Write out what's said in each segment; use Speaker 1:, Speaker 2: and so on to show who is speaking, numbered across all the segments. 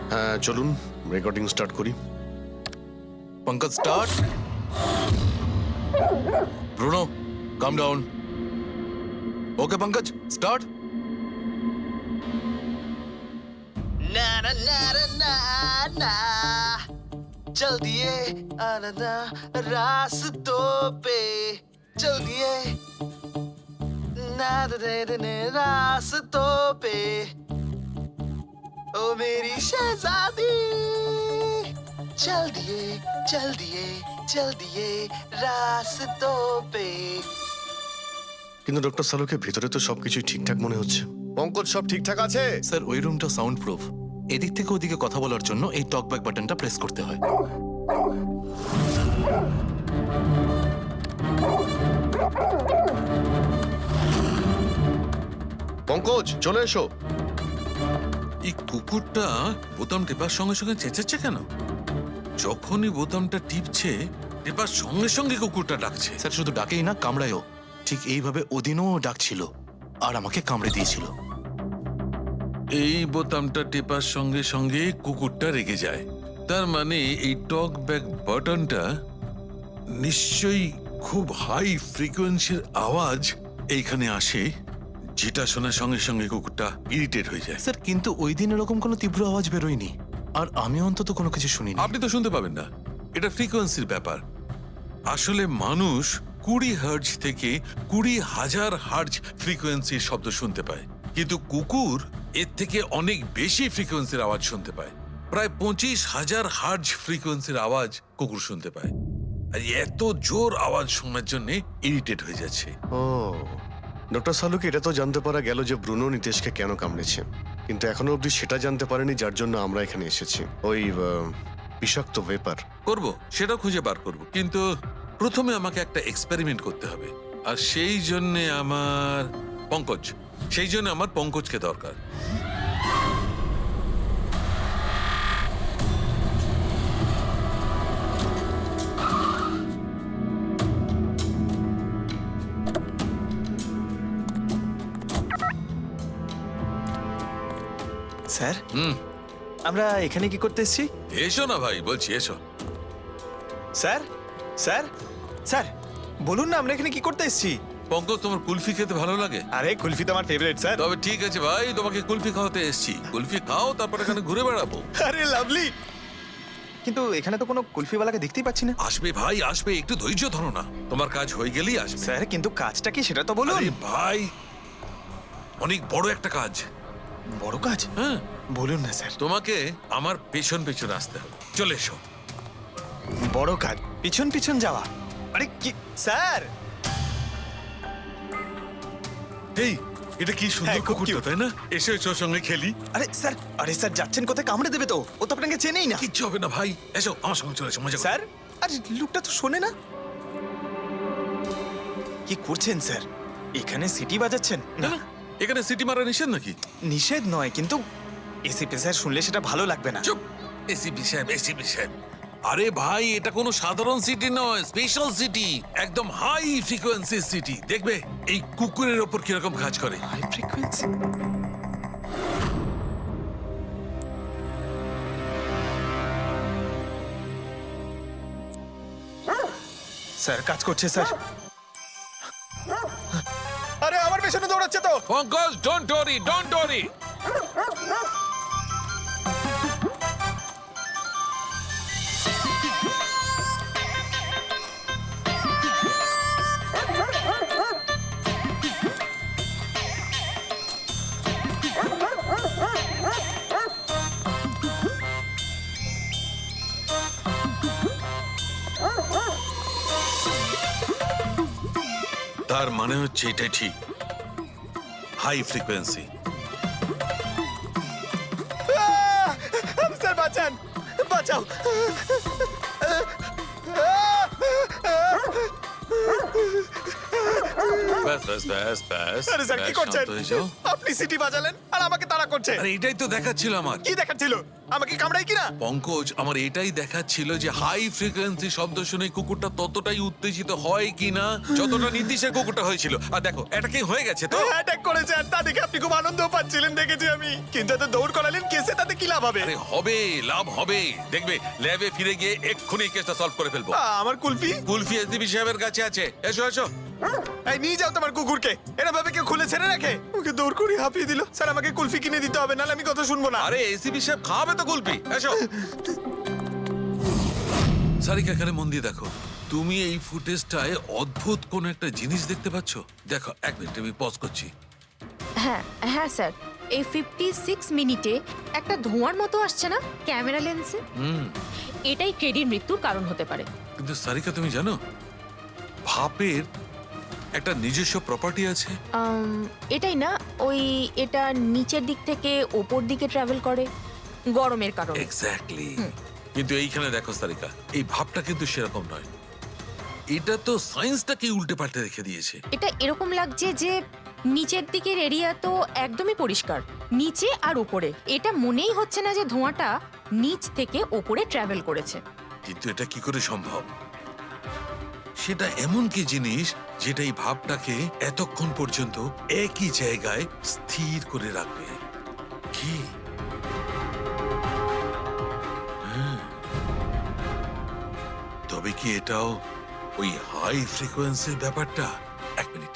Speaker 1: হ্যাঁ চলুন recording start করি।
Speaker 2: Pankaj start. Bruno come down. Okay Pankaj start.
Speaker 3: ना ना ना ना ना चल दिए आनंदा रास्तों पे चल दिए ना दे दे रास्तों पे ओ मेरी शहजादी चल दिए चल दिए चल दिए रास्तों पे।
Speaker 1: কিন্তু ডক্টর সালুকে ভিতরে তো সবকিছু ঠিকঠাক মনে হচ্ছে। পঙ্কজ সব ঠিকঠাক আছে?
Speaker 2: স্যার ওই রুমটা সাউন্ড প্রুফ। এদিক থেকে ওদিকে কথা বলার জন্য এই টক ব্যাক বাটনটা প্রেস করতে হয়।
Speaker 1: পঙ্কজ চলে এসো।
Speaker 4: এই কুকুরটা বোতাম টেপার সঙ্গে সঙ্গে চেঁচাচ্ছে কেন? যখনই বোতামটা টিপছে টেপার সঙ্গে সঙ্গে কুকুরটা ডাকছে।
Speaker 2: স্যার শুধু ডাকেই না, কামড়ায়ও। ঠিক এইভাবে ওদিনও ডাকছিল আর আমাকে কামড়ে দিয়েছিল।
Speaker 4: এই বোতামটা টেপার সঙ্গে সঙ্গে কুকুরটা রেগে যায়। তার মানে এই টক ব্যাক বাটনটা নিশ্চয়ই খুব হাই ফ্রিকোয়েন্সির আওয়াজ এইখানে আসে, যেটা শোনার সঙ্গে সঙ্গে কুকুরটা ইরিটেট হয়ে যায়।
Speaker 2: স্যার কিন্তু ওই দিন এরকম কোনো তীব্র আওয়াজ বেরোয়নি, আর আমি অন্তত কোনো কিছু শুনিনি।
Speaker 4: আপনি তো শুনতে পাবেন না, এটা ফ্রিকোয়েন্সির ব্যাপার। আসলে মানুষ 20 হার্জ থেকে 20,000 হার্জ ফ্রিকোয়েন্সির শব্দ শুনতে পায়, কিন্তু কুকুর এর থেকে অনেক বেশি ফ্রিকোয়েন্সির আওয়াজ শুনতে পায়। প্রায় 25,000 হার্জ ফ্রিকোয়েন্সির আওয়াজ কুকুর শুনতে পায়। আর এত জোর আওয়াজ শোনার জন্য ইরিটেট হয়ে যাচ্ছে।
Speaker 1: ও ডক্টর সালুকে এটা তো জানতে পারা গেল যে ব্রুনো নিতেশকে কেন কামড়েছে, কিন্তু এখনো অবধি সেটা জানতে পারেনি যার জন্য আমরা এখানে এসেছি। ওই বিষাক্ত ভেপার
Speaker 4: করব, সেটা খুঁজে বার করব, কিন্তু প্রথমে আমাকে একটা এক্সপেরিমেন্ট করতে হবে। আর সেই জন্য আমার পঙ্কজকে দরকার।
Speaker 3: স্যার
Speaker 4: হুম,
Speaker 3: আমরা এখানে কি করতে এসেছি?
Speaker 4: এসো না ভাই, বলছি এসো।
Speaker 3: স্যার স্যার স্যার বলুন না আমরা এখানে কি করতে এসেছি?
Speaker 4: পঙ্কজ, তোমার কুলফি খেতে ভালো লাগে?
Speaker 3: আরে কুলফি তো আমার ফেভারিট স্যার।
Speaker 4: তবে ঠিক আছে ভাই, তোমাকে কুলফি খাওয়াতে এসেছি। কুলফি খাও, তারপর এখানে ঘুরে বেড়াবো।
Speaker 3: আরে লাভলি, কিন্তু এখানে তো কোনো কুলফিওয়ালাকে দেখতেই পাচ্ছি না।
Speaker 4: আসবে ভাই আসবে, একটু ধৈর্য ধরো না, তোমার কাজ হয়ে গেলেই আসবে।
Speaker 3: স্যার কিন্তু কাজটা কি সেটা তো বলুন।
Speaker 4: আরে ভাই, অনেক বড় একটা কাজ।
Speaker 3: বড় কাজ?
Speaker 4: হ্যাঁ,
Speaker 3: বলুন না স্যার।
Speaker 4: তোমাকে আমার পেছন পেছন আসতে হবে। চলে এসো।
Speaker 3: বড় কাজ, পিছন পিছন যাওয়া? আরে কি স্যার?
Speaker 4: এই, এটা কি সুন্দর
Speaker 3: হ্যাঁ, খুব
Speaker 4: কুকুরটা,
Speaker 3: cute।
Speaker 4: তাই না? এসো এসো, ওর সঙ্গে খেলি।
Speaker 3: আরে স্যার যাচ্ছেন কোথায়? কামড়ে দেবে তো, ও তো আপনাকে চেনেই না।
Speaker 4: কিচ্ছু হবে না ভাই, এসো আমার সঙ্গে, চলে এসো, মজা করো।
Speaker 3: স্যার আরে লোকটা তো শোনে না। কি করছেন স্যার? এখানে সিটি বাজাচ্ছেন?
Speaker 4: না না, এখানে সিটি মারা নিষেধ নাকি?
Speaker 3: নিষেধ নয়, কিন্তু এসিপি স্যার শুনলে সেটা ভালো লাগবে না।
Speaker 4: চুপ, এসিপি সাহেব, এসিপি সাহেব। আরে ভাই, এটা কোনো সাধারণ সিটি নয়, স্পেশাল সিটি, একদম হাই ফ্রিকোয়েন্সি সিটি। দেখবে এই কুকুরের ওপর কিরকম কাজ করে।
Speaker 3: High frequency? স্যার কাজ করছে স্যার। আরে আমার পেছনে দৌড়াচ্ছে তো।
Speaker 4: Pankaj, don't worry, don't worry. তার মানে হচ্ছে এটাই ঠিক, হাই ফ্রিকোয়েন্সি।
Speaker 3: স্যার বাঁচান, বাঁচাও।
Speaker 4: ব্যাস ব্যাস ব্যাস ব্যাস।
Speaker 3: আরে স্যার কি
Speaker 4: ব্যাস,
Speaker 3: করছেন?
Speaker 4: শান্ত হয়ে যাও।
Speaker 3: আপনি সিটি বাজালেন আর আমাকে তাড়া তাড়া করছে।
Speaker 4: আরে এটাই তো দেখাচ্ছিল আমার।
Speaker 3: কি দেখাচ্ছিল? আমাকে কামড়াই কিনা?
Speaker 4: পঙ্কজ, আমার এটাই দেখাচ্ছিল যে হাই ফ্রিকোয়েন্সি শব্দ শুনে কুকুরটা ততটাই উত্তেজিত হয় কিনা যতটা নীতিশের কুকুরটা হয়েছিল। আর দেখো, এটা কি হয়ে গেছে তো?
Speaker 3: অ্যাটাক করেছে, আর তা দেখে আপনি খুব আনন্দ পাচ্ছিলেন দেখেছি আমি। কিন্তু এত দৌড় করালেন, কেসে তাতে কি লাভ হবে?
Speaker 4: আরে হবে, লাভ হবে। দেখবে ল্যাবে ফিরে গিয়ে এক্ষুনি কেসটা সলভ করে ফেলবো।
Speaker 3: আমার কুলফি?
Speaker 4: কুলফি এসডিপি সাহেবের কাছে আছে। এসো এসো।
Speaker 3: এই নিয়ে যাও তোমার কুকুরকে। এরা ভাবে কেউ খুলে ছেড়ে রাখে? ওকে দৌড় করে হাঁপিয়ে দিল। স্যার আমাকে কুলফি কিনে দিতে হবে, নাহলে আমি কথা শুনবো না।
Speaker 4: আরে এসিপি সাহেব খাওয়াবে তো কুলফি। এসো। সারিকা, এখানে মন দিয়ে দেখো। তুমি এই ফুটেজটায় অদ্ভুত কোন একটা জিনিস দেখতে পাচ্ছ? দেখো, এক মিনিট আমি পজ করছি।
Speaker 5: হ্যাঁ হ্যাঁ স্যার, এই 56 মিনিটে একটা ধোঁয়ার মতো আসছে না ক্যামেরা লেন্সে? এটাই ক্রেডির মৃত্যুর কারণ হতে পারে।
Speaker 4: কিন্তু সারিকা, তুমি জানো ভাপের একটা নিজস্ব প্রপার্টি আছে?
Speaker 5: এটাই না, ওই এটা নিচের দিক থেকে ওপর দিকে ট্রাভেল করে গরমের কারণে।
Speaker 4: এক্স্যাক্টলি। কিন্তু এইখানে দেখো সারিকা, এই ভাবটা কিন্তু সেরকম নয়। এটা তো সায়েন্সটাকে উল্টে পাল্টে রেখে দিয়েছে।
Speaker 5: এটা এরকম লাগছে যে নিচের দিকের এরিয়া তো একদমই পরিষ্কার, নিচে আর উপরে এটা মনেই হচ্ছে না যে ধোঁয়াটা নিচ থেকে ওপরে ট্রাভেল করেছে।
Speaker 4: কিন্তু এটা কি করে সম্ভব? সেটা এমন কি জিনিস যেটা এই ভাবটাকে এতক্ষণ পর্যন্ত একই জায়গায় স্থির করে রাখবে? কি? হ্যাঁ। তবে কি এটাও ওই হাই ফ্রিকোয়েন্সির ব্যাপারটা? এক মিনিট।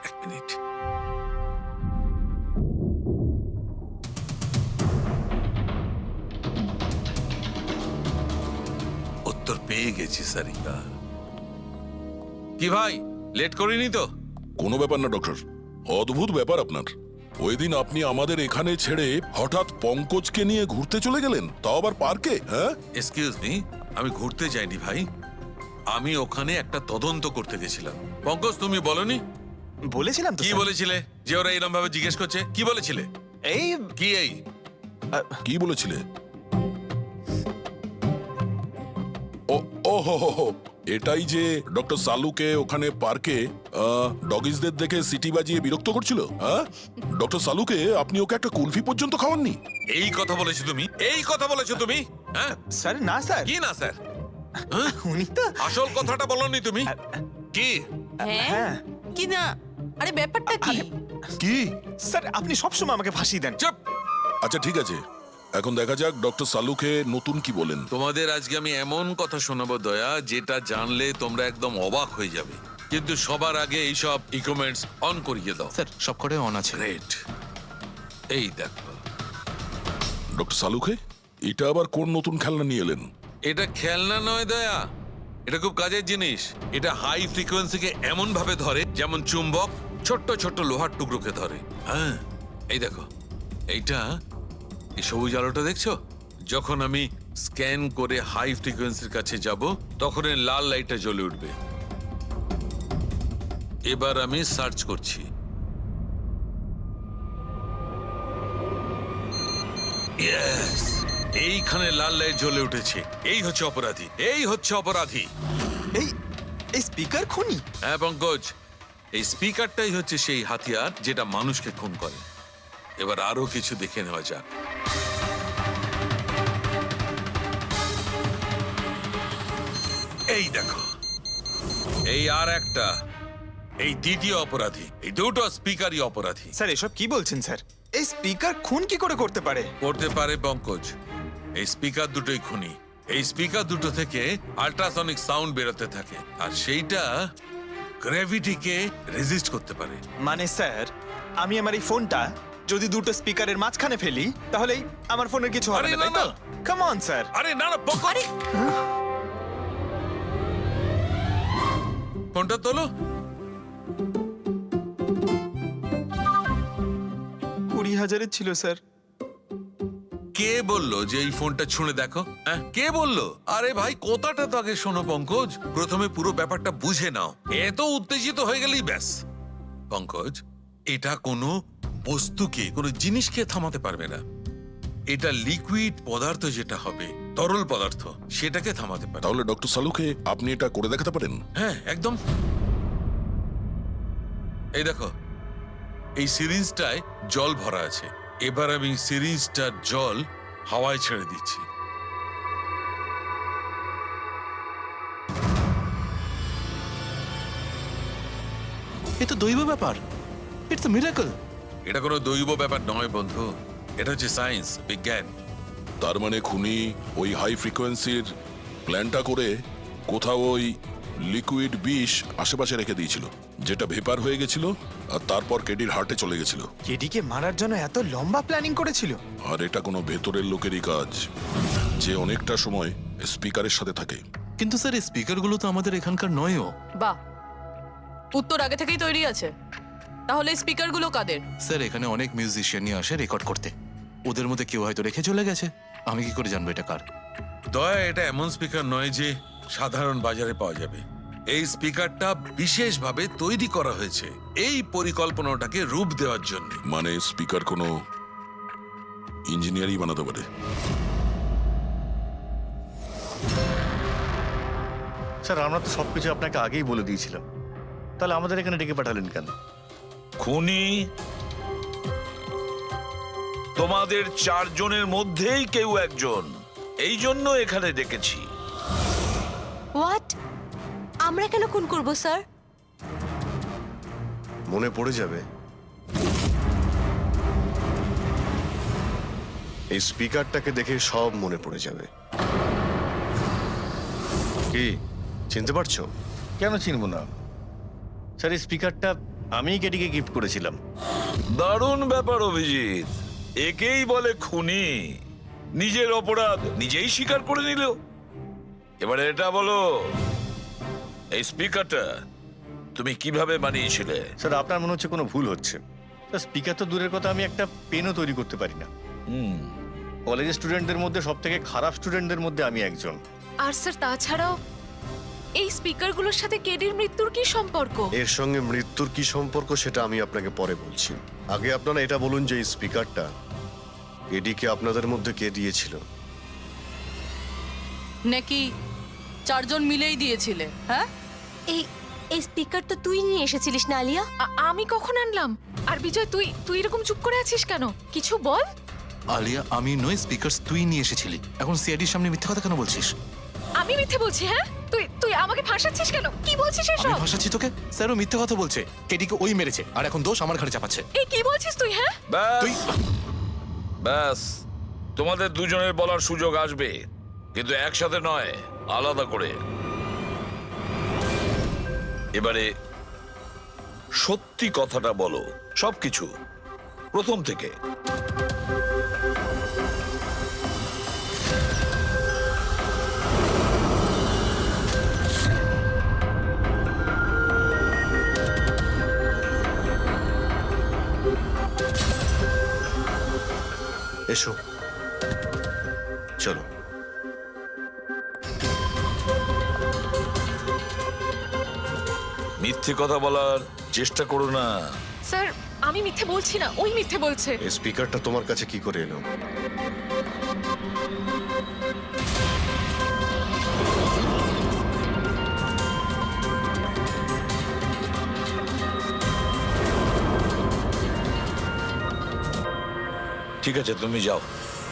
Speaker 4: উত্তর পেয়ে গেছি সারিকা। কি ভাই, লেট করিনি তো?
Speaker 6: কোনো ব্যাপার না ডক্টর, অদ্ভুত ব্যাপার আপনার। ওই দিন আপনি আমাদের এখানে ছেড়ে হঠাৎ পঙ্কজকে নিয়ে ঘুরতে চলে গেলেন, তাও আবার পার্কে। হ্যাঁ,
Speaker 4: এক্সকিউজ মি, আমি ঘুরতে যাইনি ভাই, আমি ওখানে একটা তদন্ত করতে গেছিলাম। পঙ্কজ, তুমি বলনি?
Speaker 3: বলেছিলাম তো
Speaker 4: কি
Speaker 3: স্যার।
Speaker 4: বলেছিলে যে ওরা এরকম ভাবে জিজ্ঞেস করছে? কি বলেছিলে?
Speaker 3: এই
Speaker 4: কি এই?
Speaker 6: কি বলেছিলে? ও হো হো হো, এটাই যে ডক্টর সালুকে ওখানে পার্কে ডগিসদের দেখে সিটি বাজিয়ে বিরক্ত করছিল। হ্যাঁ, ডক্টর সালুকে আপনি ওকে একটা কুলফি পর্যন্ত খাওয়াননি।
Speaker 4: এই কথা বলেছো তুমি? এই কথা বলেছো তুমি? হ্যাঁ?
Speaker 3: স্যার, না স্যার।
Speaker 4: কি না স্যার?
Speaker 3: উনি তো
Speaker 4: আসল কথাটা বলনি তুমি? কি?
Speaker 3: হ্যাঁ
Speaker 7: কি না? আরে ব্যাপারটা কি?
Speaker 6: কি?
Speaker 3: স্যার, আপনি সবসময় আমাকে ফাঁসিয়ে দেন।
Speaker 4: চুপ!
Speaker 6: আচ্ছা ঠিক আছে, এখন দেখা যাক ডক্টর সালুকে নতুন কি বলেন।
Speaker 4: তোমাদের আজকে আমি এমন কথা শোনাবো দয়া, যেটা জানলে তোমরা একদম অবাক হয়ে যাবে। কিন্তু সবার আগে এইসব ইকুইপমেন্টস অন করিয়ে দাও।
Speaker 2: স্যার সব করে অন আছে।
Speaker 4: গ্রেট। এই দেখো,
Speaker 6: ডক্টর সালুকে, এটা আবার কোন নতুন খেলনা নিয়ে এলেন?
Speaker 4: এটা খেলনা নয় দয়া, এটা খুব কাজের জিনিস। এটা হাই ফ্রিকোয়েন্সিকে এমন ভাবে ধরে যেমন চুম্বক ছোট্ট ছোট্ট লোহার টুকরোকে ধরে। হ্যাঁ, এই দেখো, এইটা, এই সবুজ আলোটা দেখছো? যখন আমি স্ক্যান করে হাই ফ্রিকোয়েন্সির কাছে যাব, তখন এই লাল লাইটটা জ্বলে উঠবে। এবার আমি সার্চ করছি। ইয়েস, এইখানে লাল লাইট জ্বলে উঠেছে। এই হচ্ছে অপরাধী, এই হচ্ছে অপরাধী।
Speaker 3: এই এই স্পিকার খুনি?
Speaker 4: হ্যাঁ পঙ্কজ, এই স্পিকারটাই হচ্ছে সেই হাতিয়ার যেটা মানুষকে খুন করে। এবার আরো কিছু দেখে নেওয়া যাক। এই দেখো, এই আর একটা, এই দ্বিতীয় অপরাধী। এই দুটো স্পিকারই অপরাধী।
Speaker 3: স্যার, এসব কি বলছেন স্যার? এই স্পিকার খুন কি করে করতে পারে?
Speaker 4: করতে পারে পঙ্কজ, এই স্পিকার দুটোই খুনি। এই স্পিকার দুটো থেকে আল্ট্রাসনিক সাউন্ড বেরোতে থাকে, আর সেইটা গ্র্যাভিটিকে রেজিস্ট করতে পারে।
Speaker 3: মানে স্যার, আমি আমার এই ফোনটা যদি দুটো স্পিকারের মাঝখানে ফেলি, তাহলেই আমার ফোনের কিছু হবে
Speaker 4: আরে
Speaker 3: না, তাই
Speaker 4: না,
Speaker 3: তো?
Speaker 4: না।
Speaker 3: Come on sir.
Speaker 4: আরে না না পঙ্কজ, ফোনটা তোলো।
Speaker 3: 20,000-এর ছিল স্যার।
Speaker 4: কে বললো যে এই ফোনটা ছুঁড়ে দেখো? হ্যাঁ, কে বললো? আরে ভাই, কথাটা তো আগে শোনো পঙ্কজ, প্রথমে পুরো ব্যাপারটা বুঝে নাও। এত উত্তেজিত হয়ে গেলেই ব্যাস। পঙ্কজ, এটা কোনো বস্তুকে, কোনো জিনিসকে থামাতে পারবে না। এটা লিকুইড পদার্থ যেটা হবে, তরল পদার্থ, সেটাকে থামাতে পারে।
Speaker 6: তাহলে ডক্টর সালুকে আপনি এটা করে দেখাতে পারেন?
Speaker 4: হ্যাঁ, একদম। এই দেখো, এই সিরিঞ্জটায় জল ভরা আছে। এবার আমি সিরিজটার জল হাওয়ায় ছেড়ে দিচ্ছি।
Speaker 2: এ তো দৈব ব্যাপার, ইটস আ মিরাকল।
Speaker 4: এটা কোনো দৈব ব্যাপার নয় বন্ধু, এটা হচ্ছে সায়েন্স, বিজ্ঞান।
Speaker 6: তার মানে খুনি ওই হাই ফ্রিকোয়েন্সির প্ল্যানটা করে কোথাও ওই লিকুইড বিষ আশেপাশে রেখে দিয়েছিল, যেটা ভেপার হয়ে গেছিল আর তারপর কেডির হার্টে চলে গেছিল।
Speaker 3: কেডিকে মারার জন্য এত লম্বা প্ল্যানিং করেছিল?
Speaker 6: আর এটা কোনো ভেতরের লোকেরই কাজ, যে অনেকটা সময় স্পিকারের সাথে থাকে।
Speaker 2: কিন্তু স্যার এই স্পিকারগুলো তো আমাদের এখানকার নয়ও।
Speaker 7: বাহ, উত্তর আগে থেকেই তৈরি আছে। তাহলে স্পিকার গুলো কাদের?
Speaker 2: স্যার এখানে অনেক মিউজিশিয়ানই আসে রেকর্ড করতে, ওদের মধ্যে কেউ হয়তো রেখে চলে গেছে, আমি কি করে জানবো এটা কার?
Speaker 4: দয়া, এটা এমন স্পিকার নয় যে সাধারণ বাজারে পাওয়া যাবে। এই স্পিকারটা বিশেষভাবে তৈরি করা হয়েছে এই পরিকল্পনাটাকে রূপ দেওয়ার জন্য।
Speaker 6: মানে স্পিকার কোনো ইঞ্জিনিয়ারই বানাতে পারে।
Speaker 8: স্যার আমরা তো সবকিছু আপনাকে আগেই বলে দিয়েছিলাম, তাহলে আমাদের এখানে ডেকে পাঠালেন কেন?
Speaker 9: খুনি তোমাদের চারজনের মধ্যেই কেউ একজন, এই জন্য এখানে ডেকেছি।
Speaker 10: হোয়াট? আমরা কেন খুন করব স্যার?
Speaker 1: মনে পড়ে যাবে এই স্পিকারটাকে দেখে সব মনে পড়ে যাবে। কি চিনতে পারছো?
Speaker 8: কেন চিনব না স্যার, এই স্পিকারটা আমিই কেডিকে গিফট করেছিলাম।
Speaker 9: দারুণ ব্যাপার অভিজিৎ, একেই বলে খুনি। নিজের অপরাধ নিজেই স্বীকার করে নিল। এবারে এটা বলো, এই স্পিকারটা তুমি কিভাবে বানিয়েছিলে?
Speaker 8: স্যার আপনার মনে হচ্ছে কোনো ভুল হচ্ছে। স্যার স্পিকার তো দূরের কথা, আমি একটা পেনও তৈরি করতে পারি না। কলেজের স্টুডেন্টদের মধ্যে সব থেকে খারাপ স্টুডেন্টদের মধ্যে আমি একজন।
Speaker 5: আর স্যার তাছাড়াও এই স্পিকারগুলোর সাথে কেডির মৃত্যুর কি সম্পর্ক?
Speaker 1: এর সঙ্গে মৃত্যুর কি সম্পর্ক সেটা আমি আপনাকে পরে বলছি। আগে আপনারা এটা বলুন যে এই স্পিকারটা এডিকে আপনাদের মধ্যে কে দিয়েছিল?
Speaker 7: নাকি চারজন মিলেই দিয়েছিলে? হ্যাঁ,
Speaker 10: এই এই স্পিকার তো তুই নিয়ে এসেছিলিস না আলিয়া?
Speaker 5: আমি কখন আনলাম? আর বিজয়, তুই এরকম চুপ করে আছিস কেন? কিছু বল।
Speaker 2: আলিয়া, আমি নই, স্পিকার তুই নিয়ে এসেছিলি। এখন সিআইডির সামনে মিথ্যা কথা কেন বলছিস?
Speaker 5: আমি মিথ্যে বলছি? হ্যাঁ, তুই আমাকে ফাঁসাচ্ছিস কেন? কি বলছিস
Speaker 2: আমি
Speaker 5: এসব?
Speaker 2: ভাসাচ্ছি তোকে? স্যারও মিথ্যা কথা বলছে, কেডিকে ওই মেরেছে আর এখন দোষ আমার ঘাড়ে চাপাচ্ছে।
Speaker 5: এই কি বলছিস তুই? হ্যাঁ,
Speaker 2: তুই
Speaker 9: ব্যাস, তোমাদের দুজনের বলার সুযোগ আসবে, কিন্তু একসাথে নয়, আলাদা করে। এবারে সত্যি কথাটা বলো, সবকিছু প্রথম থেকে।
Speaker 1: এসো, চলো।
Speaker 9: মিথ্যে কথা বলার চেষ্টা করো না।
Speaker 5: স্যার আমি মিথ্যে বলছি না, ওই মিথ্যে বলছে।
Speaker 1: এই স্পিকারটা তোমার কাছে কি করে এলো?
Speaker 9: ঠিক আছে, তুমি যাও।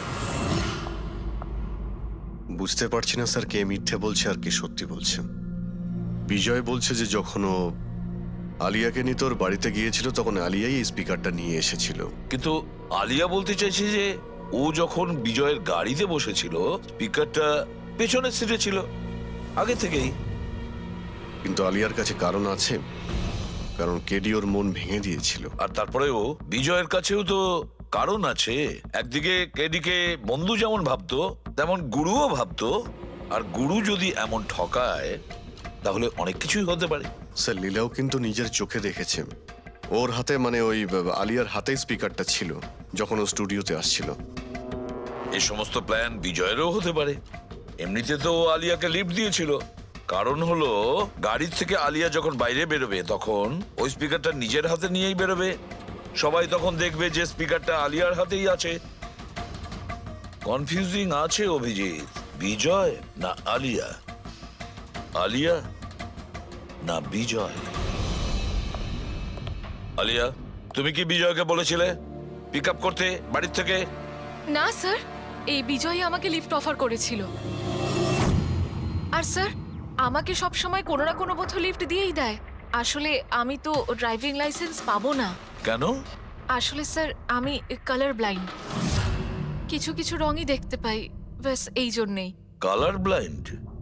Speaker 1: বুঝতে পারছি না স্যার, কে মিথ্যে বলছে আর কে সত্যি বলছে। বিজয় বলছে যে যখন ও আলিয়াকে নিয়ে তোর বাড়িতে গিয়েছিল তখন আলিয়াই এই স্পিকারটা নিয়ে এসেছিল।
Speaker 9: কিন্তু আলিয়া বলতে চাইছে যে ও যখন বিজয়ের গাড়িতে বসেছিল স্পিকারটা পেছনের সিটে ছিল আগে থেকেই।
Speaker 1: কিন্তু আলিয়ার কাছে কারণ আছে, কারণ কেডি ওর মন ভেঙে দিয়েছিল।
Speaker 9: আর তারপরেও বিজয়ের কাছেও তো কারণ আছে। একদিকে কেডিকে বন্ধু যেমন ভাবতো তেমন গুরুও ভাবতো, আর গুরু যদি এমন ঠকায় তাহলে অনেক কিছুই হতে পারে।
Speaker 1: স্যার লীলাও কিন্তু নিজের চোখে দেখেছে, ওর হাতে মানে ওই আলিয়ার হাতেই স্পিকারটা ছিল যখন ও স্টুডিওতে আসছিল।
Speaker 9: এই সমস্ত প্ল্যান বিজয়েরও হতে পারে। এমনিতে তো ও আলিয়াকে লিফট দিয়েছিল, কারণ হলো গাড়ির থেকে আলিয়া যখন বাইরে বেরোবে তখন ওই স্পিকারটা নিজের হাতে নিয়েই বেরোবে। সবাই তখন দেখবে যে স্পিকারটা আলিয়ার হাতেই আছে। কনফিউজিং আছে অভিজিৎ, বিজয় না আলিয়া, আলিয়া না বিজয়। আলিয়া, তুমি কি বিজয়কে বলেছিলে পিক আপ করতে বাড়ির থেকে?
Speaker 7: না স্যার, এই বিজয় আমাকে লিফট অফার করেছিল। আর স্যার, আমাকে সব সময় কোনো না কোনো বোধ লিফট দিয়েই দেয়। আসলে আমি তো ড্রাইভিং লাইসেন্স পাবো না।
Speaker 9: কেন?
Speaker 7: আসলে স্যার, আমি কালার ব্লাইন্ড, কিছু কিছু রঙই দেখতে পাই, ব্যাস এই জন্যেই।
Speaker 9: Colour blind?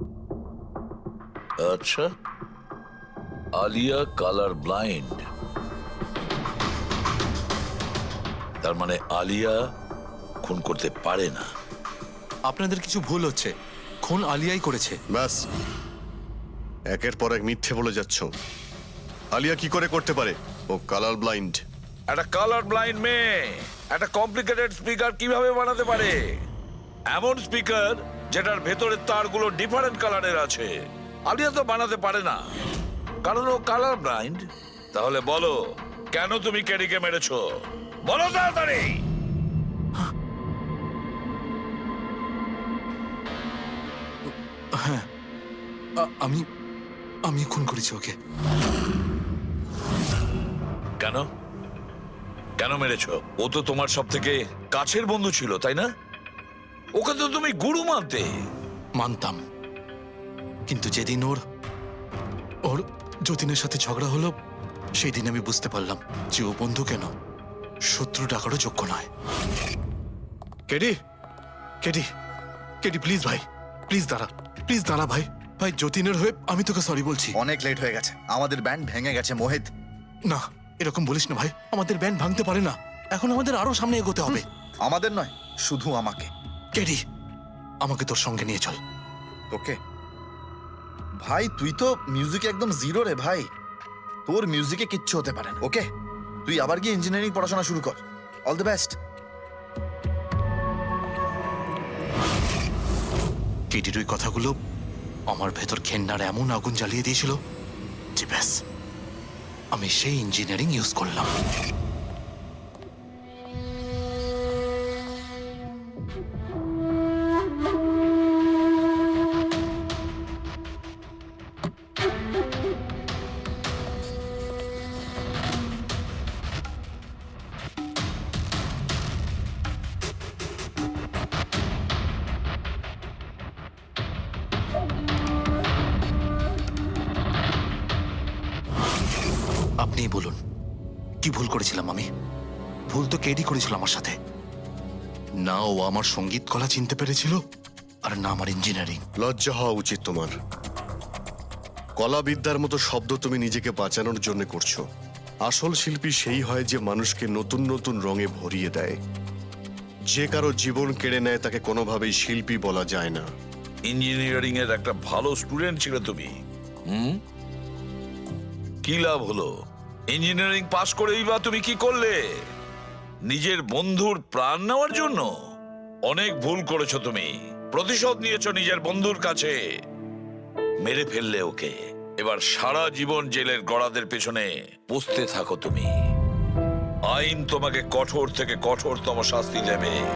Speaker 9: আচ্ছা, আলিয়া কালার ব্লাইন্ড। তার মানে আলিয়া খুন করতে পারে না।
Speaker 2: আপনাদের কিছু ভুল হচ্ছে, খুন আলিয়াই করেছে।
Speaker 1: ব্যাস, একের পর এক মিথ্যে বলে যাচ্ছ। আলিয়া কি করে করতে পারে? ও কালার ব্লাইন্ড।
Speaker 9: একটা কালার ব্লাইন্ড মেয়ে একটা কমপ্লিকেটেড স্পিকার কিভাবে বানাতে পারে? এমন স্পিকার যেটার ভেতরের তারগুলো ডিফারেন্ট কালারের আছে। আলিয়া তো বানাতে পারে না, কারণ ও কালার ব্লাইন্ড। তাহলে বলো, কেন তুমি কেডিকে মেরেছো? বলো তাড়াতাড়ি।
Speaker 2: আমি আমি খুন করেছি ওকে।
Speaker 9: কেন কেন মেরেছো? ও তো তোমার সব থেকে কাছের বন্ধু ছিল, তাই না? ওকে তো তুমি গুরু মানতে।
Speaker 2: মানতাম, কিন্তু যেদিন ওর ওর যতীনের সাথে ঝগড়া হলো, সেই দিন আমি বুঝতে পারলাম যে ও বন্ধু কেন, শত্রু ডাকারও যোগ্য নয়। কেডি, কেডি, কেডি প্লিজ ভাই, প্লিজ দাঁড়া ভাই। ভাই, যতীনের হয়ে আমি তোকে সরি বলছি।
Speaker 11: অনেক লেট হয়ে গেছে, আমাদের ব্যান্ড ভেঙে গেছে মোহিত।
Speaker 2: না, এরকম বলিস না ভাই, আমাদের ব্যান্ড ভাঙতে পারে না। এখন আমাদের আরো সামনে এগোতে হবে।
Speaker 11: আমাদের নয়, শুধু আমাকে।
Speaker 2: কেডি, আমাকে তোর সঙ্গে নিয়ে চল।
Speaker 11: তোকে? ভাই তুই তো মিউজিকে একদম জিরো রে ভাই, তোর মিউজিকে কিচ্ছু হতে পারে না। ওকে, তুই আবার গিয়ে ইঞ্জিনিয়ারিং পড়াশোনা শুরু কর। All the best.
Speaker 2: কেডির ওই কথাগুলো আমার ভেতর ঘেন্নার এমন আগুন জ্বালিয়ে দিয়েছিল যে ব্যাস, আমি সেই ইঞ্জিনিয়ারিং ইউজ করলাম। আপনিই বলুন, কি ভুল করেছিলাম আমি? ভুল তো কেডি করেছিল আমার সাথে। না ও আমার সঙ্গীত কলা চিনতে পেরেছিল, আর না আমার ইঞ্জিনিয়ারিং।
Speaker 1: লজ্জা হওয়া উচিত তোমার। কলাবিদ্যার মতো শব্দ তুমি নিজেকে বাঁচানোর জন্য করছো। আসল শিল্পী সেই হয় যে মানুষকে নতুন নতুন রঙে ভরিয়ে দেয়। যে কারো জীবন কেড়ে নেয় তাকে কোনোভাবেই শিল্পী বলা যায় না।
Speaker 9: ইঞ্জিনিয়ারিং এর একটা ভালো স্টুডেন্ট ছিল তুমি। কি লাভ হলো? ইঞ্জিনিয়ারিং পাশ করেই বা তুমি কি করলে? নিজের বন্ধুর প্রাণ নেওয়ার জন্য? অনেক ভুল করেছো তুমি। প্রতিশোধ নিয়েছো নিজের বন্ধুর কাছে। মেরে ফেললে ওকে। এবার সারা জীবন জেলের গড়াদের পেছনে পুষতে থাকো তুমি। আইন তোমাকে কঠোর থেকে কঠোরতম শাস্তি দেবে।